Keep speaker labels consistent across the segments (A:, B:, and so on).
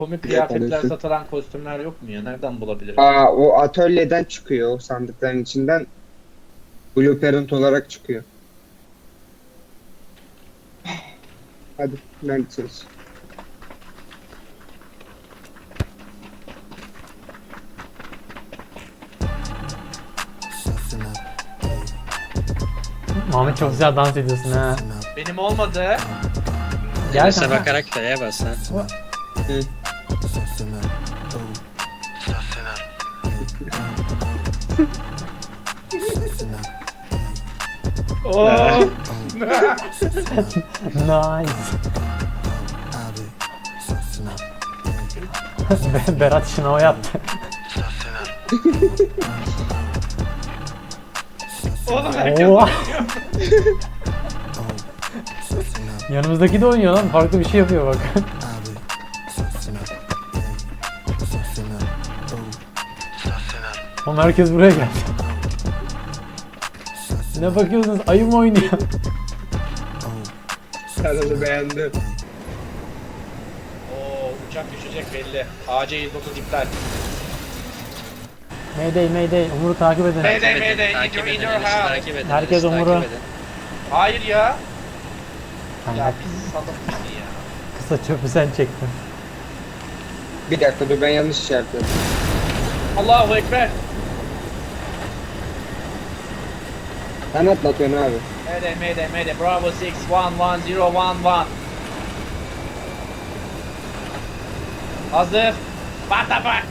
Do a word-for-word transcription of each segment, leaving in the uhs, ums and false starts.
A: Komik
B: Direkt
A: kıyafetler
B: alıyorsun.
A: satılan kostümler yok mu ya? Nereden bulabilirim?
B: Aa, o atölyeden çıkıyor, o sandıkların içinden. Blue Parent olarak çıkıyor. Hadi neredesiniz?
C: Muhammed çok güzel dans ediyorsun ha.
A: Benim olmadı.
C: Gel
D: Enes'e
C: kanka.
D: bakarak F'ye bas ha.
B: Hı.
A: Oo.
C: Nice. Be- Berat şınava yaptı.
A: Oğlum herkes
C: Oo. Yanımızdaki de oynuyor lan. Farklı bir şey yapıyor bak. Oğlum herkes buraya geldi. Ne bakıyorsunuz? Ayı mı oynuyor?
B: Kanalı beğendim.
A: Oo, uçak düşecek belli. A C yüz otuz iptal.
C: Mayday Mayday. Umur'u takip edin.
A: Mayday,
D: Takip edin,
A: mayday,
D: takip
A: in your-
D: edin,
A: in your
D: Enes'i
A: house.
D: takip edin,
C: Herkes
D: Enes'i
C: Umur'u.
D: takip edin.
A: Hayır ya.
C: Kanka,
A: Ya pis salak bizi ya.
C: kısa çöpü sen çektin.
B: Bir dakika dur, ben yanlış şey yapıyorum.
A: Allahu Ekber.
B: Sen atlatıyorsun abi.
A: Mayday, mayday, mayday. Bravo altı, bir bir zero bir bir. Hazır. What the fuck?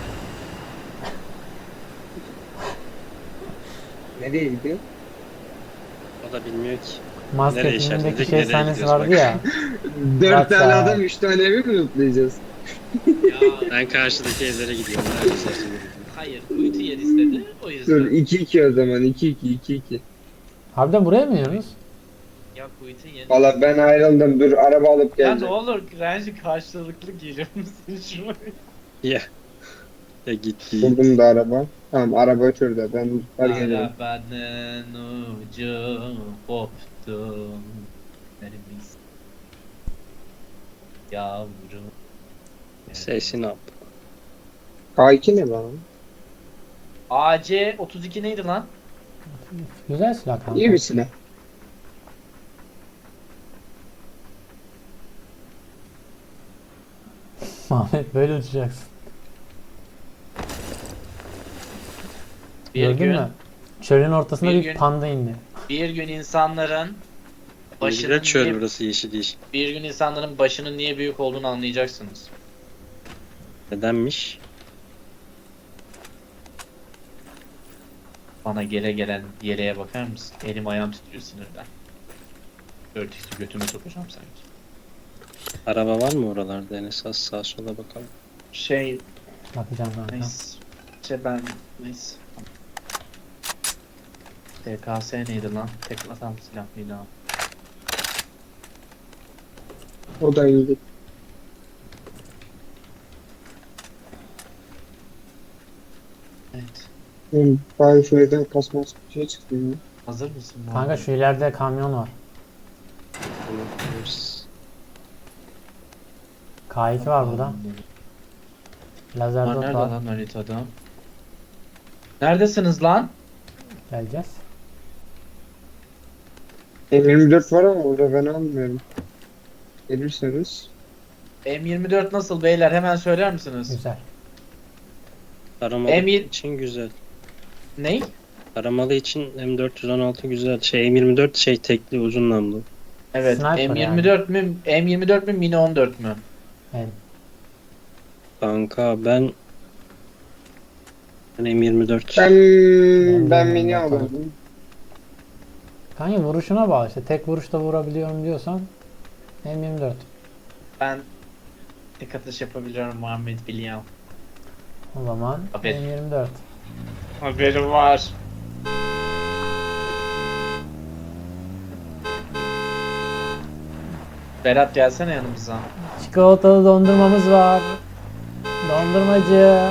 B: Nereye gidiyor?
D: O da bilmiyor ki.
C: Maske
D: Nereye
C: filmindeki
D: işaretledik,
C: şey
D: nereye
C: sahnesi
D: gidiyoruz
C: vardı
D: bak.
C: ya.
B: Dört
C: Kaç
B: tane
C: saat?
B: adam, üç tane evi mi lootlayacağız?
A: Ya
D: Ben karşıdaki evlere gidiyorum. Neredeyse şimdi.
A: hayır. Kuytu yer istedi. O
B: Dur,
A: yüzden.
B: iki iki o zaman, iki iki iki iki.
C: Harbiden buraya mı iniyoruz?
A: Ya kuytu yer.
B: Valla ben ayrıldım, dur araba alıp
A: Ya ne
B: geleceğim.
A: olur Renji karşılıklı gelir misin şuraya?
D: Ya. Ya git git.
B: Buldum da araba. Tamam, araba şurada, ben var geliyorum.
A: Arabanın ucu koptu. Neremiz? Yavrum.
D: Sesini yap.
B: K iki ne lan?
A: A C otuz iki neydi lan?
C: Güzel silah kanka.
B: İyi bir silah.
C: Ahmet böyle uçacaksın.
A: Bir
C: Gördün
A: gün,
C: mü? Çölün ortasına
A: Bir
C: bir,
A: gün-
C: panda indi.
A: bir gün insanların başının
D: Başına çöl
A: niye,
D: burası yeşil yeşil.
A: bir gün insanların başının niye büyük olduğunu anlayacaksınız.
D: Nedenmiş?
A: Bana gele gelen yeleğe bakar mısın? Elim ayağım titriyor sinirden. Örtüsü götüme sokacağım sanki.
D: Araba var mı oralarda Enes? Az sağa sola bakalım.
A: Şey,
C: Bakacağım kanka.
A: neyse. Şey ben, neyse. T K S neydi lan? Tek atan silah mıydı o?
B: O da iyiydi.
A: Evet.
B: Hı, bari şuradan kasmaz bir şey çıktı ya.
A: Hazır mısın?
C: Kanka
A: Muhammed?
C: şu ileride kamyon var.
D: Bunu yapıyoruz.
C: K iki var burada. Lazer
A: Bunlar
C: dot
A: nerede
C: var.
A: lan haritada? Neredesiniz lan?
C: Geleceğiz.
B: M yirmi dört var ama orada ben almıyorum. Gelirseniz.
A: M yirmi dört nasıl beyler? Hemen söyler misiniz?
C: Güzel.
D: Taramalı
A: Emir-
D: için güzel.
A: Ney?
D: Taramalı için M dört yüz on altı güzel. Şey M yirmi dört şey tekli uzun namlu.
A: Evet.
C: Sniper
A: M yirmi dört mü? M yirmi dört mü? Mini on dört mü?
C: Evet.
D: Kanka ben ben M yirmi dört.
B: Ben,
C: Ben
B: ben
C: de
B: mini
C: bakalım.
B: alırdım.
C: Kanka vuruşuna bağlı işte. Tek vuruşta vurabiliyorum diyorsan M yirmi dört.
A: Ben tek atış yapabiliyorum Muhammed biliyorum.
C: O zaman
A: Aferin.
C: M yirmi dört.
A: Haberim var. Berat gelsene yanımıza.
C: Çikolatalı dondurmamız var. Dondurmacı.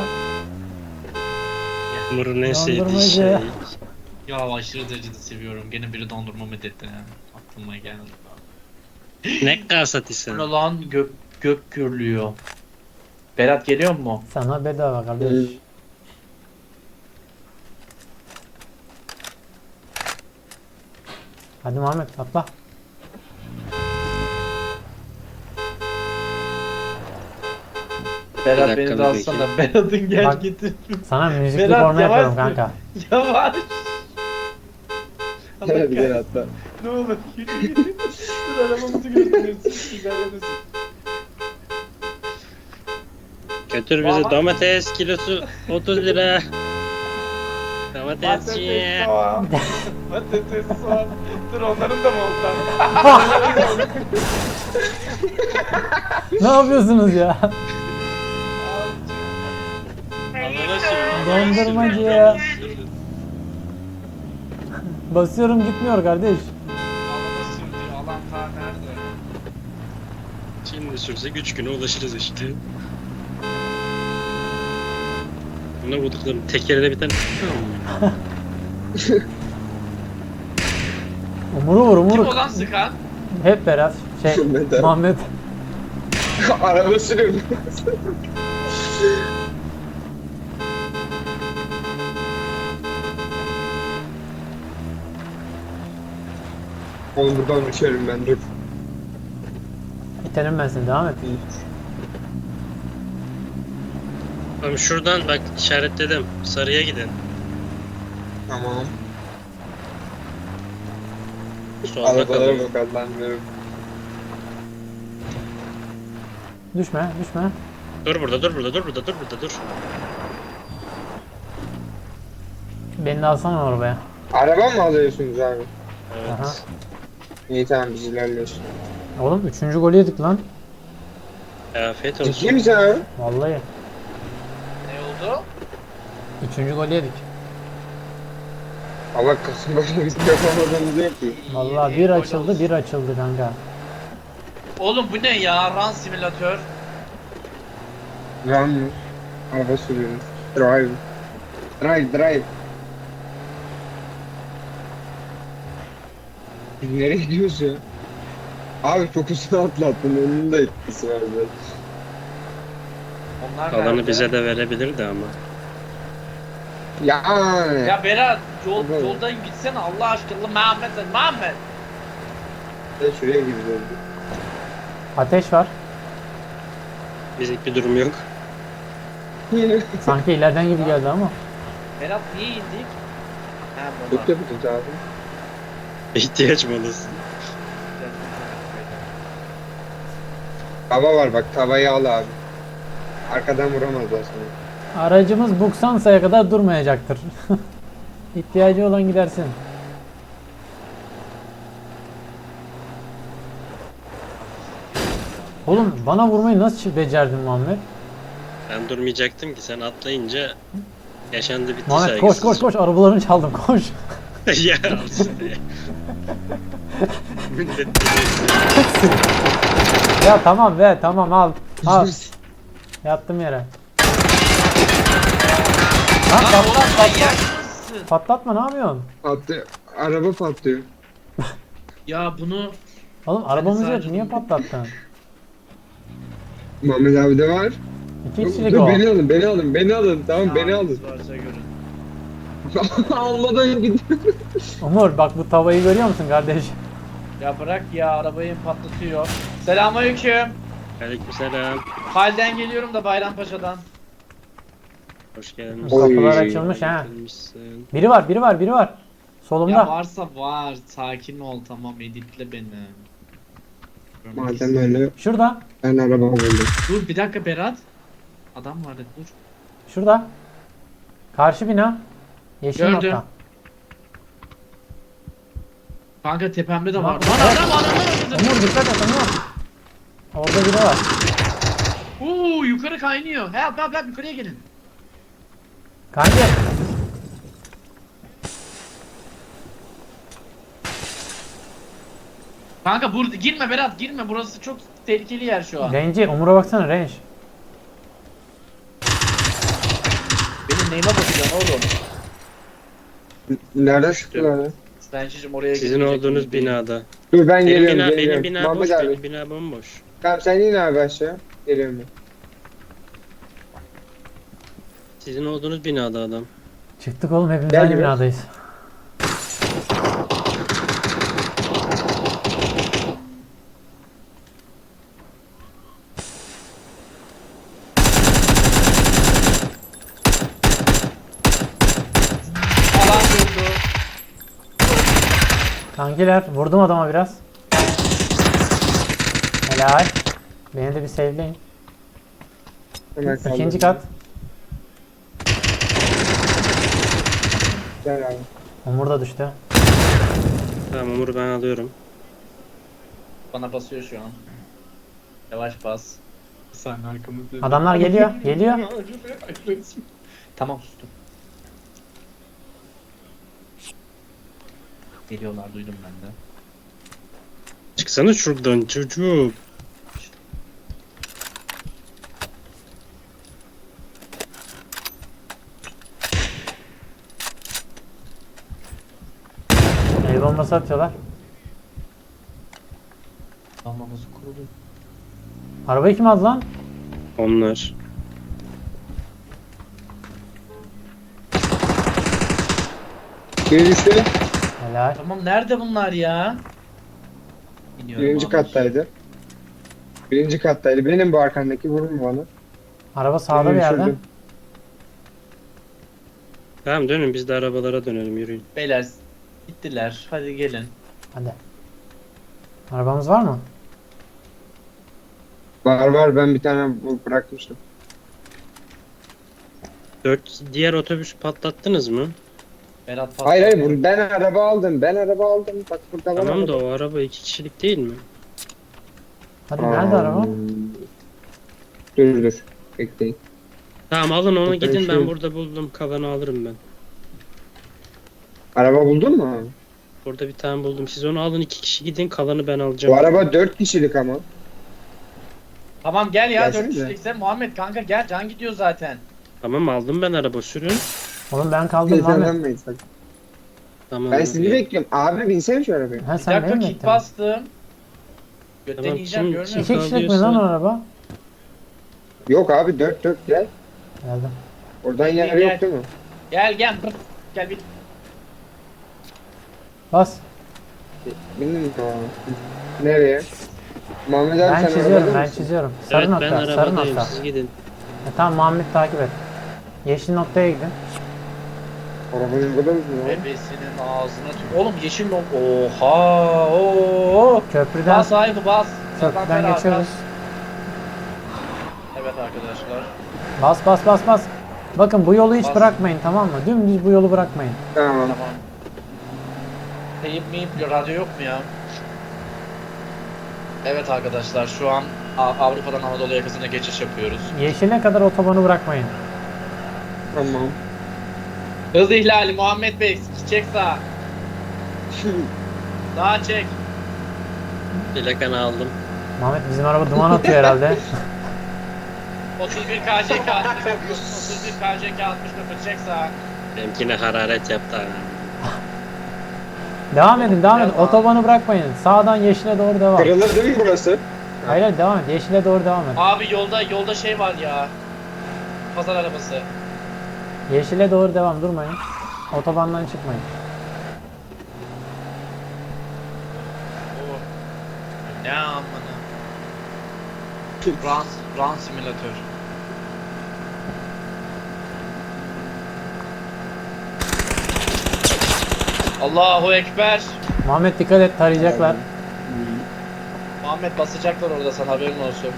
D: Umur'un en sevdiği
C: Dondurmacı.
D: şey.
A: Ya aşırı derecede seviyorum. Gene biri dondurma medetti yani. Aklıma geldi.
D: Ne kasat
A: Bu
D: isen.
A: ne lan gök, gök gürlüyor. Berat geliyor mu?
C: Sana bedava kardeş.
B: Hı.
C: Hadi Muhammed atla.
A: Berat
D: Bir
A: beni de
D: dakika,
A: alsana. Berat'ın gel
C: Bak.
A: getir.
C: Sana müzikli
A: Berat,
C: porno
A: yavaş
C: yapıyorum
A: sür.
C: kanka.
A: Yavaş. Allah
B: Hadi gel
A: kahretsin.
B: atla.
A: Ne olur yürü yürü. Dur arabamızı götürüyorsun. Güzellemesin.
D: Götür bizi,
A: Baba.
D: domates kilosu otuz lira.
A: Patates
D: Domatesçi.
A: soğan. Patates soğan. Dur onların da mı oldu?
C: Ne yapıyorsunuz ya?
D: Alana sür.
C: Dondurmacı ya. Basıyorum gitmiyor kardeş.
A: Alana sürdü. Alan ta nerede?
D: Şimdi sürsek üç güne ulaşırız işte. Buna vurduklarım tekerine bir tane.
C: Umuru vur
A: Kim
C: umuru.
A: olan sıkan?
C: Hep Berat. Şey
B: Muhammed.
C: Muhammed.
B: Araba sürüyorum. Oğlum buradan uçuyorum ben dur.
C: İtelim ben seni devam et.
D: Tamam şuradan bak işaretledim. Sarıya gidin.
B: Tamam.
D: Solda
B: Arabalara
D: kalın.
B: bak Allah'ım.
C: Düşme düşme.
D: Dur burada, dur burada, dur burada, dur burada, dur.
C: Beni de alsana arabaya.
B: Araba mı alıyorsunuz abi?
D: Evet.
C: Aha.
B: İyi tamam biz ilerliyoruz.
C: Oğlum üçüncü golü yedik lan.
D: Afiyet
B: Ciddi
D: olsun.
B: misin abi?
C: Vallahi.
A: Ne oldu?
C: Üçüncü golü yedik.
B: Allah Kasımpaşa bizim yapamadığımız yok ki.
C: Vallahi
A: İyi,
C: bir
A: gol
C: açıldı
A: olsun.
C: bir açıldı kanka.
A: Oğlum bu ne ya? Run simülatör.
B: Run mı? Araba sürüyoruz. Drive. Drive drive. Biz nereye gidiyoruz ya? Abi çok hızlı atlattın. Onun da etkisi var zaten.
A: Onlar
D: Alanı
A: nerede?
D: bize de verebilirdi ama.
B: Yani.
A: Ya Berat yol,
B: Evet.
A: yoldan gitsene Allah aşkına Mehmet Mehmet.
B: Ben şuraya gidiyorum.
C: Ateş var.
D: Bizlik bir durum yok.
C: Sanki ileriden gibi geldi ama.
A: Berat niye indik? Ha buna.
B: Çok yapacağız abi.
D: İhtiyaç molası.
B: Tava var bak tavayı al abi. Arkadan vuramazlar seni.
C: Aracımız Buksansa'ya kadar durmayacaktır. İhtiyacı olan gidersin. Oğlum bana vurmayı nasıl becerdin Muhammed?
D: Ben durmayacaktım ki sen atlayınca yaşandı bitti
C: Muhammed koş koş koş arabalarını çaldım koş.
D: Ya alsın ya. Millet bizi-
C: Ya tamam be tamam al. Al yattım yere. Lan
A: Lan
C: pat-
A: oğlum manyak mısın?
C: patlatma ne yapıyorsun?
B: Attı. Araba patlıyor.
A: Ya bunu
C: Oğlum arabamız yok
A: sadece
C: niye
A: bunu-
C: patlattın?
B: Muhammed abi de var.
C: İki kişilik
B: Dur
C: o.
B: beni alın beni alın beni alın. Tamam beni alın.
A: Yalnız varsa görün.
B: Almadan gidiyor.
C: Umur bak bu tavayı görüyor musun kardeş?
A: Ya bırak ya arabayı patlatıyor. Selamünaleyküm.
D: Aleykümselam.
A: Halden geliyorum da Bayrampaşa'dan.
D: Hoş geldin.
B: Oy.
C: Kapılar açılmış ha.
D: Gelmişsin.
C: Biri var biri var biri var.
A: Ya
C: Solumda.
A: varsa var. Sakin ol tamam editle beni. Görmek
B: Madem öyle
C: Şurada.
B: ben araba buldum.
A: Dur bir dakika Berat. Adam vardı dur.
C: Şurada. Karşı bina. Yeşil
A: Gördüm.
C: nokta.
A: Kanka tepemde de
C: Lan,
A: var. Lan
C: evet.
A: adam adam adam.
C: Umur dikkat et Umur. Orada biri var.
A: Uuu yukarı kaynıyor. Help help help yukarıya gelin.
C: Kanka.
A: Kanka burada girme Berat girme burası çok tehlikeli yer şu an.
C: Range'i Umur'a baksana range.
A: Benim neyime bakacaksın oğlum?
B: Nerede sıktılar ya?
A: Stencicim oraya
D: Sizin
A: gelecek
D: olduğunuz
A: gibi değil.
D: binada.
B: Dur ben
D: Benim
B: geliyorum
D: bina, benim
B: geliyorum.
D: bina
B: Muhammed
D: boş,
B: abi.
D: benim bina bomboş.
B: Tamam sen in abi aşağı. Geliyorum ben.
D: Sizin olduğunuz binada adam.
C: Çıktık oğlum, hepimiz
B: Gel
C: aynı
B: biraz.
C: binadayız.
A: Alan vurdu.
C: Kankiler vurdum adama biraz. Helal. Beni de bir sevleyin.
B: Hemen
C: İkinci
B: kaldırdım.
C: kat.
B: Gel abi.
C: Umur da düştü.
D: Tamam Umur'u ben alıyorum.
A: Bana basıyor şu an. Yavaş bas. Bir saniye arkamızda.
C: Adamlar geliyor, geliyor.
A: Tamam sustum. Geliyorlar, duydum ben de.
D: Çıksana şuradan çocuk.
C: El bombası atıyorlar.
A: Almamız kurulu.
C: Arabayı kim aldı lan?
D: Onlar.
B: Biri düştü.
C: Helal.
A: Tamam, nerede bunlar ya? Biniyorum
B: Birinci
A: abi.
B: kattaydı. Birinci kattaydı. Benim bu arkandaki, vurun bana.
C: Araba sağda bir
B: Birini
C: yerde.
B: düşürdüm.
D: Tamam dönün biz de arabalara dönelim yürüyün.
A: Beyler gittiler. Hadi gelin.
C: Hadi. Arabamız var mı?
B: Var var, ben bir tane bu- bırakmıştım.
D: Dört diğer otobüsü patlattınız mı?
A: Berat patladı.
B: Hayır hayır, bu- ben araba aldım. Ben araba aldım. Bak burada var.
D: Tamam da
B: araba.
D: o araba iki kişilik değil mi?
C: Hadi nerede
B: Aa,
C: araba?
B: Dur dur. Bekleyin.
D: Tamam alın onu
B: Ben
D: gidin ben
B: şu-
D: burada buldum kalanı alırım ben.
B: Araba buldun mu?
D: Burada bir tane buldum siz onu alın iki kişi gidin kalanı ben alacağım.
B: Bu araba dört kişilik ama.
A: Tamam gel ya,
B: Gelsene
A: dört
B: de.
A: kişilikse Muhammed kanka gel, can gidiyor zaten.
D: Tamam aldım ben araba sürün.
C: Oğlum ben kaldım Muhammed.
B: Heyecanlanmayın sakın.
D: Tamam.
B: Ben sizi bekliyorum. Abi binsene şu arabaya.
C: Ha
A: Bir
C: sen
A: dakika,
C: beni mi
A: kit
C: bekliyorsun?
A: bastım. Götten
D: Tamam,
A: yiyeceğim,
D: kim-
A: görmüyor
D: kim-
A: musun?
C: İki kişilik mi lan o araba?
B: Yok abi, dört dört gel.
C: Geldim.
B: Oradan
A: Gel,
B: yer
A: gel.
B: yok değil mi?
A: Gel gel. Bırak. Gel bir.
C: Bas.
B: Bindin mi? Nereye? Muhammed abi
C: Ben
B: sen
C: çiziyorum,
B: arabada
C: ben
B: mısın?
C: çiziyorum. Sarı
D: Evet ben
C: nokta, sarı
D: arabadayım
C: nokta.
D: siz gidin.
C: E, tamam Muhammed takip et. Yeşil noktaya gidin.
B: Arabanın burada mısın ya?
A: Bebesinin ağzına tük. Oğlum yeşil nok. Oha. Oo.
C: Köprüden,
A: Bas sahibi bas.
C: köprüden
A: Zaten
C: geçiyoruz.
A: Evet arkadaşlar.
C: Bas bas bas bas. Bakın bu yolu hiç
A: Bas.
C: bırakmayın, tamam mı? Dümdüz bu yolu bırakmayın.
B: Tamam.
A: Tamam. Teyip miyip radyo yok mu ya? Evet arkadaşlar, şu an A- Avrupa'dan Anadolu yakasına geçiş yapıyoruz.
C: Yeşile kadar otobanı bırakmayın.
B: Tamam.
A: Hız ihlali Muhammed Bey, çek sağa. Sağa çek.
D: Plakanı aldım.
C: Muhammed bizim araba duman atıyor herhalde.
A: otuz bir K J K altmış dokuz. otuz bir K J K altmış dokuz, çek sağa.
D: Benimkine hararet yaptı ha.
C: Devam edin, devam edin.
A: Devam.
C: Otobanı bırakmayın. Sağdan yeşile doğru devam.
B: Kırılır değil mi burası?
C: Hayır hayır devam et. Yeşile doğru devam et.
A: Abi yolda yolda şey var ya. Pazar arabası.
C: Yeşile doğru devam, durmayın. Otobandan çıkmayın.
A: Oo. Ne amına. Run, run simülatör. Allahu Ekber.
C: Muhammed dikkat et, tarayacaklar.
A: Muhammed basacaklar orada, sana haberin olsun.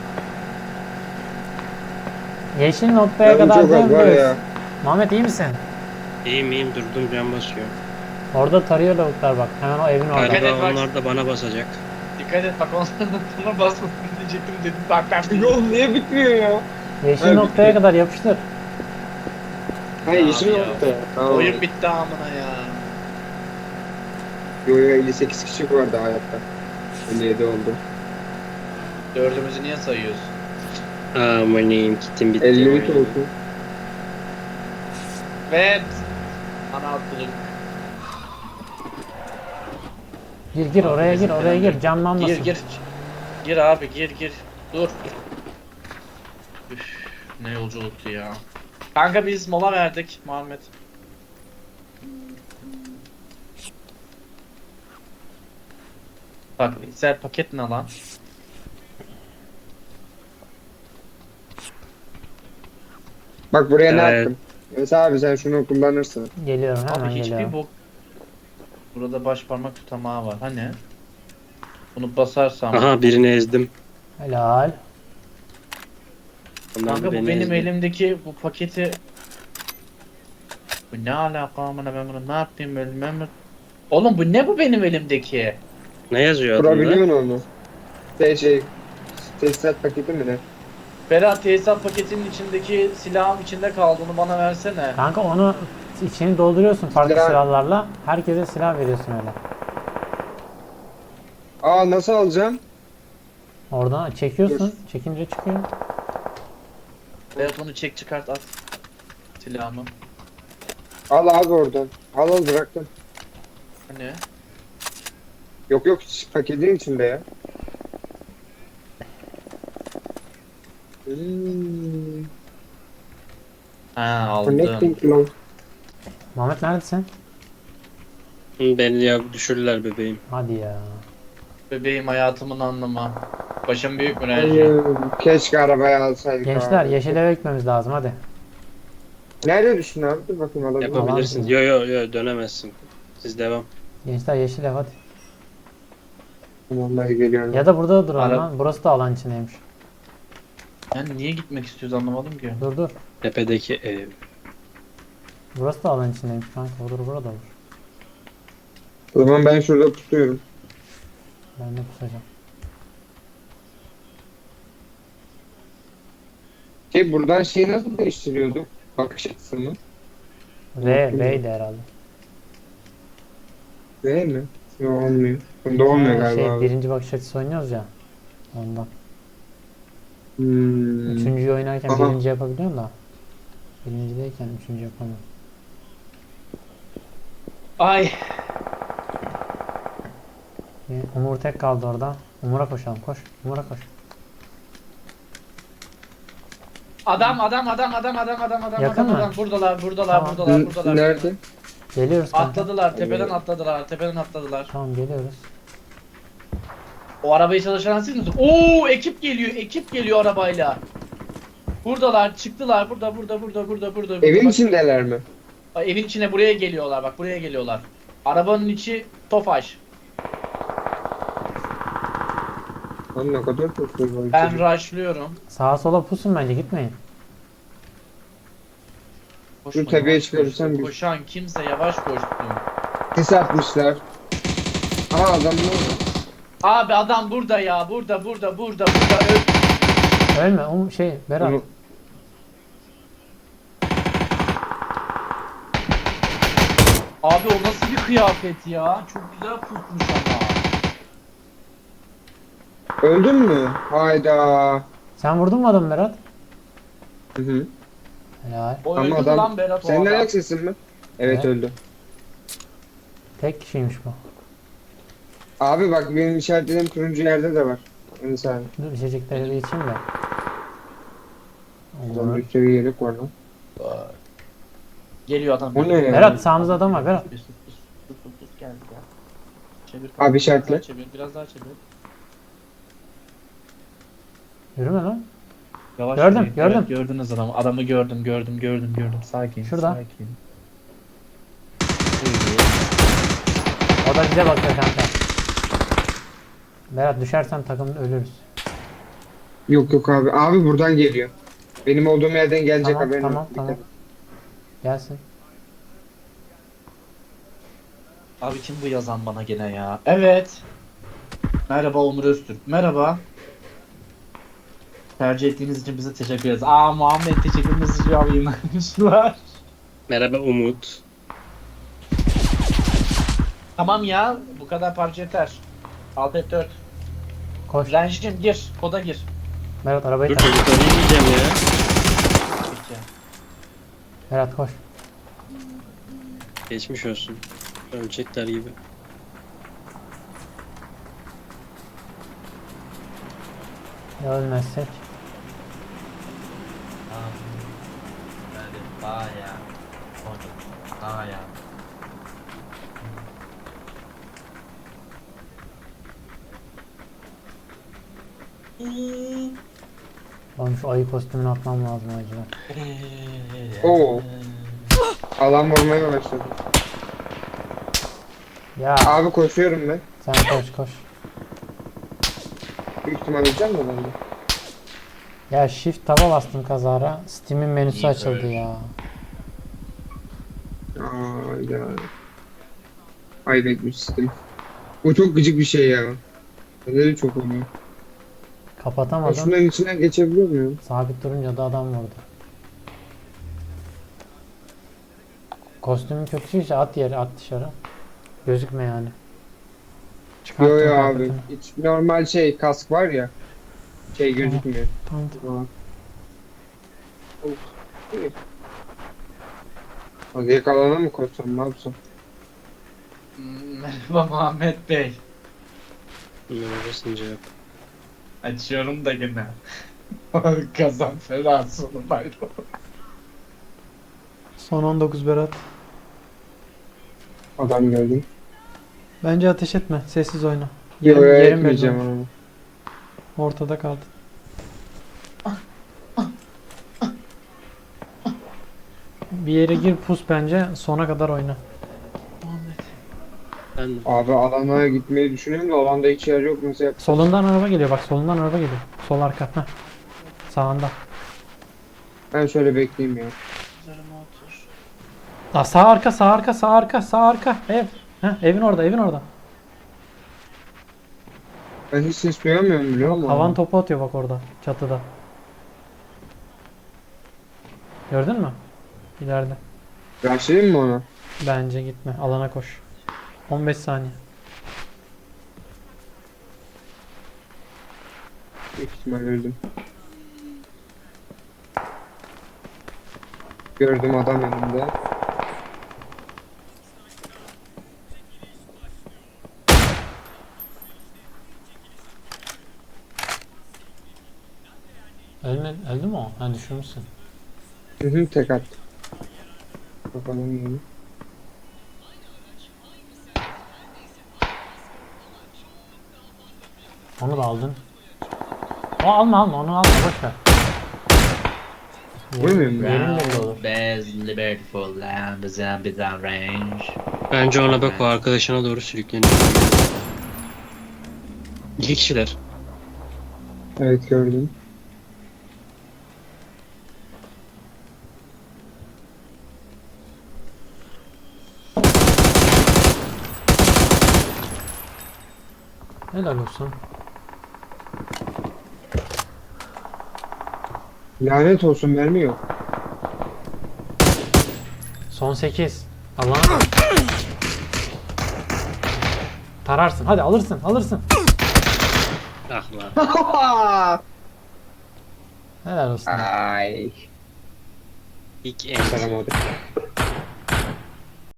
C: Yeşil noktaya
B: Canım
C: kadar
B: çok az var
C: dönüyoruz.
B: ya.
C: Muhammed iyi misin?
D: İyiyim iyiyim durdum can basıyor.
C: Orada tarıyor lavuklar bak. Hemen o evin orada.
A: Dikkat et
D: Galiba
A: bak.
D: onlar da bana basacak.
A: Dikkat et bak, onlardan sana basmasın diyecektim dedim. Bak ben
B: Yol niye bitmiyor ya?
C: Yeşil
B: Evet,
C: noktaya
B: bitti.
C: kadar yapıştır.
B: Ha yeşil
A: Abi ya.
B: nokta. Tamam.
A: Oyun bitti amına ya.
B: Yo yo, elli sekiz kişi vardı hayatta. elli yedi oldu.
A: Dördümüzü niye sayıyorsun?
D: Amaneyim kitim bitti.
B: elli üç
D: oyun.
B: oldu.
A: Ve ana atlık.
C: Gir gir oraya
A: Bizim
C: gir, oraya
A: falan
C: gir.
A: yok.
C: Camlanmasın.
A: Gir gir. Gir abi, gir gir. Dur. Üf, ne yolculuktu ya. Kanka biz mola verdik Muhammed. Bak İsrail paket ne lan?
B: Bak buraya ne
D: Evet.
B: yaptım? Mesela abi sen şunu kullanırsın.
C: Geliyorum hemen
A: Abi hiçbir
C: geliyorum.
A: bok. Burada baş parmak tutamağı var. Hani? Bunu basarsam.
D: Aha birini ezdim.
C: Helal.
D: Onlar da
A: Kanka bu
D: beni
A: benim
D: ezdi.
A: elimdeki bu paketi. Bu ne alaka amına ben bunu ne yapayım bilmem mi? Oğlum bu ne bu benim elimdeki?
D: Ne yazıyor adında?
B: Kurabiliyorsun onu. Şey şey. Tesisat paketi mi ne?
A: Berat tesisat paketinin içindeki silahın içinde kaldı onu bana versene.
C: Kanka onu içini dolduruyorsun farklı
B: Silah-
C: silahlarla. Herkese silah veriyorsun öyle.
B: Aa nasıl alacağım?
C: Oradan çekiyorsun. Çekince çıkıyor.
A: Berat onu çek çıkart at. Silahımı.
B: Al abi oradan. Al al bıraktım.
A: Hani?
B: Yok yok paketin içinde ya. Hmm.
A: Ha aldım.
B: Connecting long.
C: Muhammed neredesin?
D: Hı, Beni ya düşürürler bebeğim.
C: Hadi ya.
A: Bebeğim hayatımın anlamı. Başım büyük mü Renji?
B: Hayır, keşke arabayı alsaydık
C: Gençler
B: abi.
C: yeşil eve gitmemiz lazım hadi.
B: Nerede düştün abi? Dur bakayım alabilir miyim?
D: Yapabilirsin. Yo yo yo dönemezsin. Siz devam.
C: Gençler yeşil ev hadi.
B: Tamam ben geliyorum.
C: Ya da burada duralım
A: Ara-
C: lan. Burası da alan içindeymiş.
A: Yani niye gitmek istiyoruz anlamadım ki.
C: Dur dur.
D: Tepedeki ev.
C: Burası da alan içindeymiş kanka. Olur burada olur.
B: O zaman ben şurada tutuyorum.
C: Ben de pusacağım.
B: Şey buradan şeyi nasıl değiştiriyorduk? Bakış açısını.
C: V, V'ydi herhalde.
B: Değil mi? Yok olmuyor. Bunda olmuyor
C: Ha,
B: galiba
C: şey,
B: abi.
C: birinci bakış açısı oynuyoruz ya. Ondan.
B: Hmm.
C: Üçüncüyü oynarken
B: Aha.
C: birinci yapabiliyorum da. Birincideyken üçüncü yapamıyorum.
A: Ay.
C: Bir Umur tek kaldı orada. Umur'a koşalım koş. Umur'a koş.
A: Adam adam adam adam adam adam adam
C: Yakın
A: adam
C: mı?
A: adam buradalar buradalar
C: Tamam.
A: buradalar
B: N-
A: buradalar.
B: Nerede?
C: Geliyoruz kanka.
A: Atladılar tepeden
B: Evet.
A: atladılar tepeden atladılar.
C: Tamam geliyoruz.
A: O arabayı çalışan siz misiniz? Oo ekip geliyor ekip geliyor arabayla. Buradalar çıktılar burada burada burada burada burada.
B: Evin
A: Bak-
B: içindeler mi?
A: Bak, evin içine buraya geliyorlar bak buraya geliyorlar. Arabanın içi Tofaş.
B: Lan ne kadar çok şey var.
A: Ben
B: içinde.
A: rushlıyorum.
C: Sağa sola pusun bence gitmeyin.
A: Koşma,
B: tepeye
A: yavaş
B: çıkarırsan
A: koşsun.
B: biz-
A: Koşan kimse yavaş koşsun.
B: Sis atmışlar. Aa adam ne oldu?
A: Abi adam burada ya burada burada burada burada öl.
C: Ölme. Um, şey Berat.
B: Onu-
A: Abi o nasıl bir kıyafet ya? Çok güzel pusmuş ama.
B: Öldün mü? Hayda.
C: Sen vurdun mu adamı Berat?
B: Hı hı.
C: Helal.
A: O
B: Ama
A: öldü
B: adam-
A: lan Berat o
B: Senin
A: adam.
B: ayak sesin mi? Evet
C: Evet.
B: öldü.
C: Tek kişiymiş bu.
B: Abi bak benim işaretlediğim turuncu yerde de var. Bir saniye.
C: Dur içecekleri bir içeyim de.
B: Adam
C: Olur.
B: bir sürü yelek var lan.
A: Geliyor adam.
B: O ne ya?
C: Berat sağımızda adam var Berat.
A: Sus sus sus sus sus sus geldi ya. Çevir.
B: Abi
A: biraz
B: işaretle.
A: daha Çevir biraz daha çevir.
C: Yürüme lan.
A: Yavaş
C: Gördüm,
A: yürüyün.
C: gördüm.
A: Evet, gördünüz adamı. Adamı gördüm gördüm gördüm gördüm. Sakin
C: Şurada.
A: sakin.
C: O da bize bakıyor kanka. Berat düşersen takımda ölürüz.
B: Yok yok abi. Abi buradan geliyor. Benim olduğum yerden gelecek
C: Tamam,
B: haberin
C: tamam,
B: olsun.
C: tamam.
B: Dikkat et.
C: Gelsin.
A: Abi kim bu yazan bana gene ya? Evet. Merhaba Onur Öztürk. Merhaba. Tercih ettiğiniz için bize teşekkür ederiz. Aa Muhammed teşekkür mesajı yayınlamışlar.
D: Merhaba Umut.
A: Tamam ya bu kadar parça yeter. Alt F dört.
C: Koş.
A: Renjicim gir. Koda gir.
C: Berat arabayı
D: Dur
C: tak.
D: çocukları yiyeceğim ya.
A: Peki.
C: Berat koş.
D: Geçmiş olsun. Ölecekler gibi.
C: Ya ölmezsek.
A: Hadi. Baya. Baya.
C: Oğlum şu ayı kostümünü atmam lazım acaba.
B: Oo. Alan vurmaya başladı.
C: Ya
B: Abi koşuyorum ben.
C: sen koş koş.
B: Büyük ihtimal öleceğim de ben de.
C: Ya shift taba bastım kazara. Steam'in menüsü
A: İyi
C: açıldı
A: böyle.
C: ya.
B: Aa ya. Kaybetmiştim. Bu çok gıcık bir şey ya. Neleri çok oynuyor.
C: Kapatamadım.
B: Şunların içinden geçebiliyor muyum?
C: Sabit durunca da adam vurdu. Kostümün kötüyse at yere at dışarı. Gözükme yani. Çıkarttım
B: Yo yo abi.
C: kıyafetini.
B: Hiç normal şey kask var ya. Şey gözükmüyor.
C: Tamam.
B: Aa. Of, iyi. Hadi yakalana mı koşsam ne yapsam?
A: Merhaba Muhammed Bey.
D: Merhaba Sincap.
A: Açıyorum da gene. Kazan fena sonu bayram.
C: Son on dokuz Berat.
B: Adam gördüm.
C: Bence ateş etme. Sessiz oyna.
B: Yo
C: Yerim,
B: yo
C: yerim belli
B: etmeyeceğim
C: olmuş.
B: ama.
C: Ortada kaldın. Bir yere gir pus bence. Sona kadar oyna.
A: Muhammed.
D: Ben de.
B: Abi alana gitmeyi düşünüyorum da alanda hiç yer yok nasıl yap?
C: Solundan araba geliyor. Bak solundan araba geliyor. Sol arka. Heh. Sağında.
B: Ben şöyle bekleyeyim ya.
A: Üzerime otur.
C: Aa, sağ arka, sağ arka, sağ arka, sağ arka. Ev. Heh, evin orada, evin orada.
B: Ben hiç ses duyamıyorum biliyor musun?
C: Havan topu atıyor bak orada. Çatıda. Gördün mü? İleride.
B: Başlayayım mı ona?
C: Bence gitme. Alana koş. on beş saniye.
B: Büyük ihtimal öldüm. Gördüm adam önümde.
C: Öldü, öldü mü o? Ha düşürmüşsün.
B: Hı hı tek at. Bakalım yeni.
C: Onu da aldın. O alma alma onu alma boş ver.
B: Vurmuyor mu?
C: Yerin belli olur.
A: Bez liberty for land, zombie down range.
D: Bence ona bak o arkadaşına doğru sürükleniyor. İki kişiler.
B: Evet gördüm.
C: Helal olsun.
B: Lanet olsun mermi yok.
C: Son sekiz. Allah'ım. Tararsın. Hadi alırsın. Alırsın.
D: Ah lan.
C: Helal olsun.
B: Ay.
D: İlk en.
B: Saramadık.